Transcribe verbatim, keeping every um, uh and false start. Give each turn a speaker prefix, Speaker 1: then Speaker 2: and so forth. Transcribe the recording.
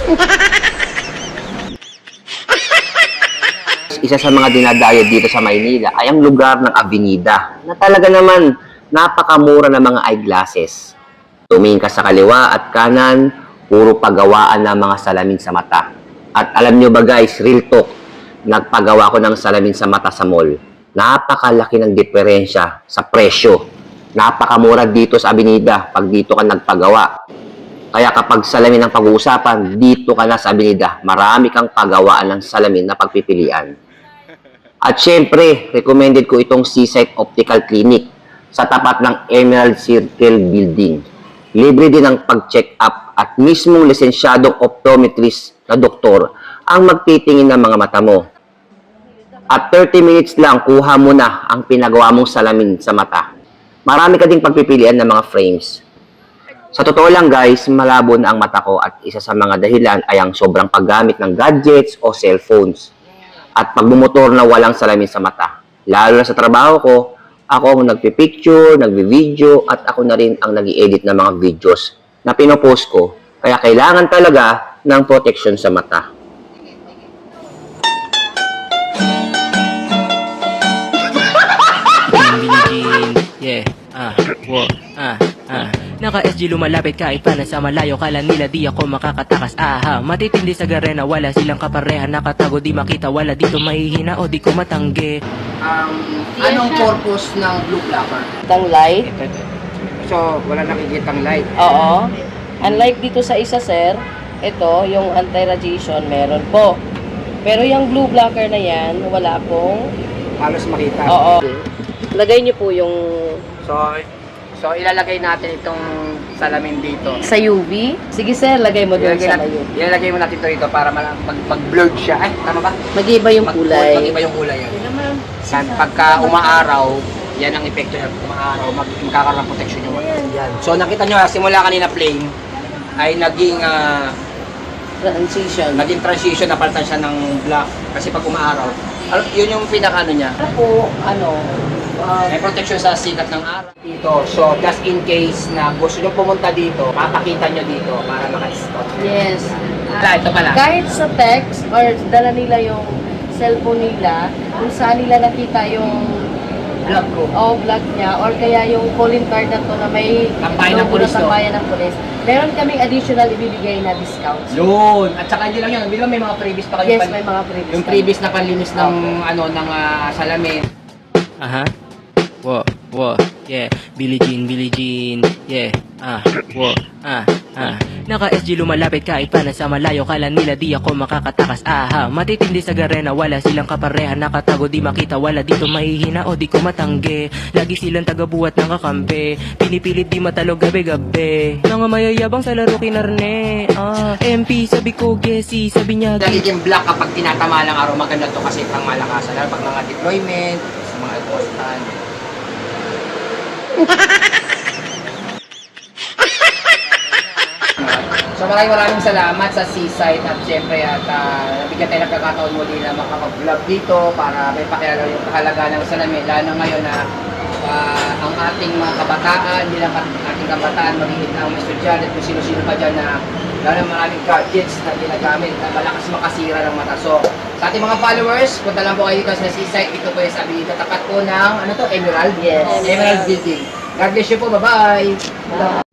Speaker 1: Isa sa mga dinadayo dito sa Maynila ay ang lugar ng Avenida na talaga naman napakamura ng mga eyeglasses. Tumingin ka sa kaliwa at kanan, puro pagawaan ng mga salamin sa mata. At alam nyo ba guys, real talk, nagpagawa ko ng salamin sa mata sa mall. Napakalaki ng diferensya sa presyo. Napakamura dito sa Avenida pag dito ka nagpagawa. Kaya kapag salamin ang pag-uusapan, dito ka na sa Avenida. Marami kang pagawaan ng salamin na pagpipilian. At syempre, recommended ko itong Seaside Optical Clinic sa tapat ng Emerald Circle Building. Libre din ang pag-check up at mismong lisensyadong optometrist na doktor ang magtitingin ng mga mata mo. At thirty minutes lang, kuha mo na ang pinagawa mong salamin sa mata. Marami ka ding pagpipilian ng mga frames. Sa totoo lang guys, malabo na ang mata ko at isa sa mga dahilan ay ang sobrang paggamit ng gadgets o cellphones. At pagbumotor na walang salamin sa mata. Lalo na sa trabaho ko, ako ang nagpipicture, nagbi-video, at ako na rin ang nag-i-edit ng mga videos na pinopost ko. Kaya kailangan talaga ng protection sa mata.
Speaker 2: Yeah, ah, wo, ah, ah. Naka-S G lumalapit kahit pa nasa malayo. Kala nila di ako makakatakas. Aha, matitindi sa garena. Wala silang kapareha. Nakatago di makita. Wala dito mahihina o di ko matanggi.
Speaker 3: Um, anong purpose ng blue blocker?
Speaker 4: Tang light.
Speaker 3: Ito, ito. So, wala nakikitang light.
Speaker 4: Oo. Unlike dito sa isa, sir, ito, yung anti-radiation, meron po. Pero yung blue blocker na yan, wala pong...
Speaker 3: Halos makita.
Speaker 4: Oo. Lagay niyo po yung...
Speaker 3: So, so ilalagay natin itong salamin dito.
Speaker 4: Sa U V? Sige, sir, lagay mo doon
Speaker 3: Ilalagay
Speaker 4: sa
Speaker 3: natin,
Speaker 4: U V.
Speaker 3: ilalagay mo natin ito dito para mag, mag, blurred siya. Ay, tama ba?
Speaker 4: Mag-iba yung
Speaker 3: Mag-
Speaker 4: kulay.
Speaker 3: Mag-iba yung kulay yan. Yan, pagka umaaraw, yan ang epekto niya. Umaaraw, mag magkakaroon ng protection yung mata. Yan. So, nakita nyo, simula kanina plain, ay naging ah,
Speaker 4: Transition.
Speaker 3: naging transition, napalitan siya ng black. Kasi pag umaaraw, al- yun yung pinaka ano niya.
Speaker 4: Ano po, ano, uh,
Speaker 3: May protection sa sikat ng araw dito. So, just in case na gusto nyo pumunta dito, papakita nyo dito para maka-stop.
Speaker 4: yes.
Speaker 3: Wala, ito pala.
Speaker 4: Kahit sa text or dala nila yung cellphone nila, kung saan nila nakita yung
Speaker 3: Vlog ko.
Speaker 4: o vlog niya or kaya yung calling card na to na may
Speaker 3: Tambayan ng
Speaker 4: logo
Speaker 3: pulis,
Speaker 4: na
Speaker 3: no?
Speaker 4: tambayan ng pulis. Meron kaming additional ibibigay na discounts.
Speaker 3: Yun. At saka hindi lang yun. Hindi ba may mga freebies pa kayo?
Speaker 4: Yes,
Speaker 3: pan-
Speaker 4: may mga previous.
Speaker 3: Yung previous na panlinis ng ano ng ah, salamin.
Speaker 2: Aha, wo, wo, yeah. Billie Jean, Billie Jean, yeah. Ah, wo, ah, ah. Naka-S G lumalapit kahit pa nasa malayo. Kala nila di ako makakatakas. Aha, matitindi sa garena. Wala silang kapareha. Nakatago di makita. Wala dito mahihina o di ko matanggi. Lagi silang tagabuhat ng kakampi. Pinipilit di matalog gabi-gabi. Mga mayayabang sa laro kinarne. Ah, M P sabi ko Gessie. Sabi niya
Speaker 3: Nagiging black kapag tinatama lang araw. Maganda to kasi pang malakasan. Lalo pag mga deployment, sa mga postan. So maraming maraming salamat sa Seaside at syempre at uh, nabigyan tayo ng pagkakataon muli na makapag-vlog dito para may pakilala yung kahalaga ng salamin. Lalo na ngayon na uh, ang ating mga kabataan, hindi lang ating kabataan, magiging ang mga estudyante at kung sino-sino pa dyan na lalo na maraming gadgets na ginagamit na malakas makasira ng mata. So sa ating mga followers, punta lang po kayo dito sa Seaside. Ito po yung sabi dito, tapat po ng ano to, Emerald?
Speaker 4: Yes.
Speaker 3: Emerald Building. God bless you po, bye-bye!